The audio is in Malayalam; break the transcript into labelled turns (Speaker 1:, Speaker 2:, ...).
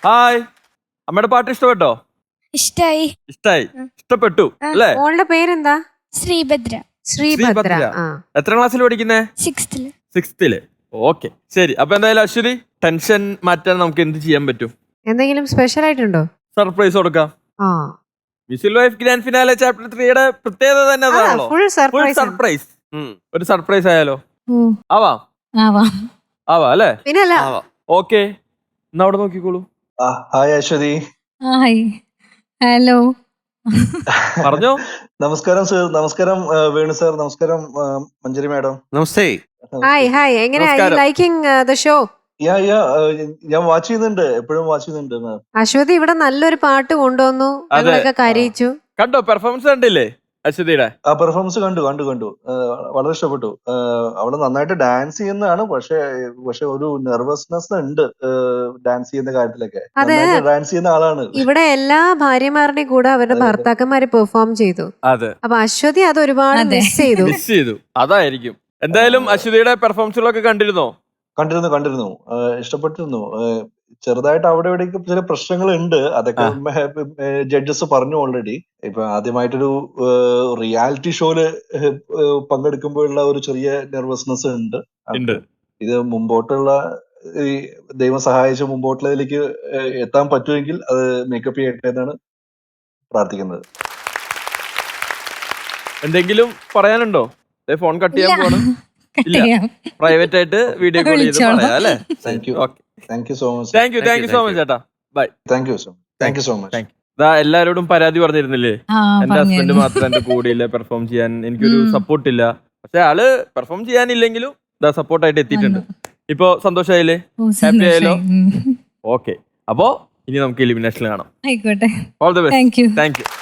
Speaker 1: ഹായ്. അമ്മയുടെ പാട്ട് ഇഷ്ടപ്പെട്ടോ?
Speaker 2: ഇഷ്ടായി.
Speaker 1: ഇഷ്ടപ്പെട്ടു അല്ലേ?
Speaker 3: മോളുടെ പേരെന്താ?
Speaker 2: ശ്രീഭദ്ര.
Speaker 3: ശ്രീഭദ്ര.
Speaker 1: എത്ര ക്ലാസ്സിൽ പഠിക്കുന്നേ? 6th. ഓക്കെ, ശരി. അപ്പൊ എന്തായാലും അശ്വതി, ടെൻഷൻ മാറ്റാൻ നമുക്ക് എന്ത് ചെയ്യാൻ പറ്റും?
Speaker 3: എന്തെങ്കിലും സ്പെഷ്യൽ ആയിട്ടുണ്ടോ?
Speaker 1: സർപ്രൈസ് കൊടുക്കാം. Miss life grand finale chapter 3യുടെ പ്രത്യേകത തന്നെ അതാണല്ലോ,
Speaker 3: ഫുൾ
Speaker 1: സർപ്രൈസ്. ഒരു സർപ്രൈസ് ആയാലോ? ആവാം അല്ലേ?
Speaker 3: പിന്നല്ല.
Speaker 1: ഓക്കെ, എന്നാ അവിടെ നോക്കിക്കോളൂ.
Speaker 4: ഹായ് അശ്വതി.
Speaker 2: ഹായ്. ഹലോ.
Speaker 1: പറഞ്ഞോ.
Speaker 4: നമസ്കാരം സർ. നമസ്കാരം വേണു സാർ. നമസ്കാരം മഞ്ജരി മാഡം.
Speaker 1: നമസ്തേ.
Speaker 3: ഹായ്. എങ്ങനെയാ ലൈക്കിംഗ് ദ ഷോ?
Speaker 4: ഞാൻ വാച്ച് ചെയ്യുന്നുണ്ട്, എപ്പോഴും വാച്ച് ചെയ്യുന്നുണ്ട്.
Speaker 3: അശ്വതി ഇവിടെ നല്ലൊരു പാട്ട് കൊണ്ടുവന്നു, ഞങ്ങളൊക്കെ കരയിച്ചു.
Speaker 1: കണ്ടോ? പെർഫോമൻസ് കണ്ടില്ലേ അശ്വതിയുടെ?
Speaker 4: ആ പെർഫോമൻസ് കണ്ടു. വളരെ ഇഷ്ടപ്പെട്ടു. അവള് നന്നായിട്ട് ഡാൻസ് ചെയ്യുന്നതാണ്. പക്ഷെ ഒരു നെർവസ്നെസ് ഉണ്ട് ഡാൻസ് ചെയ്യുന്ന കാര്യത്തിലൊക്കെ. ഡാൻസ് ചെയ്യുന്ന ആളാണ്.
Speaker 3: ഇവിടെ എല്ലാ ഭാര്യമാരുടെയും കൂടെ അവരുടെ ഭർത്താക്കന്മാര് പെർഫോം ചെയ്തു. അപ്പൊ അശ്വതി അത് ഒരുപാട് മിസ് ചെയ്തു.
Speaker 1: അതായിരിക്കും. എന്തായാലും അശ്വതിയുടെ പെർഫോമൻസുകളൊക്കെ കണ്ടിരുന്നോ?
Speaker 4: കണ്ടിരുന്നു. ഇഷ്ടപ്പെട്ടിരുന്നു. ചെറുതായിട്ട് അവിടെ ഇവിടേക്ക് ചില പ്രശ്നങ്ങൾ ഉണ്ട്. അതൊക്കെ ജഡ്ജസ് പറഞ്ഞു ഓൾറെഡി. ഇപ്പൊ ആദ്യമായിട്ടൊരു റിയാലിറ്റി ഷോയില് പങ്കെടുക്കുമ്പോഴുള്ള ഒരു ചെറിയ നെർവസ്നെസ് ഉണ്ട്. ഇത് മുമ്പോട്ടുള്ള ദൈവം സഹായിച്ച് മുമ്പോട്ടുള്ളതിലേക്ക് എത്താൻ പറ്റുമെങ്കിൽ അത് മേക്കപ്പ് ചെയ്യട്ടെ എന്നാണ് പ്രാർത്ഥിക്കുന്നത്.
Speaker 1: എന്തെങ്കിലും പറയാനുണ്ടോ? ഫോൺ കട്ട് ചെയ്യാൻ പോകണം. പ്രൈവറ്റ് ആയിട്ട് വീഡിയോ കോൾ ചെയ്ത് പറയാം അല്ലേ?
Speaker 4: Thank you so much.
Speaker 1: Thank you so much ചേട്ടാ. Bye.
Speaker 4: Thank you so much.
Speaker 1: എല്ലാരോടും പരാതി പറഞ്ഞിരുന്നില്ലേ, എന്റെ ഹസ്ബൻഡ് മാത്രം എന്റെ കൂടെയില്ല പെർഫോം ചെയ്യാൻ, എനിക്കൊരു സപ്പോർട്ട് ഇല്ല. പക്ഷെ ആള് പെർഫോം ചെയ്യാനില്ലെങ്കിലും സപ്പോർട്ടായിട്ട് എത്തിയിട്ടുണ്ട്. ഇപ്പൊ സന്തോഷമായില്ലേ? ഹാപ്പി ആയല്ലോ? ഓക്കെ, അപ്പോ ഇനി നമുക്ക് എലിമിനേഷനിൽ കാണാം.
Speaker 2: ആയിക്കോട്ടെ.
Speaker 1: All the best.
Speaker 2: Thank U.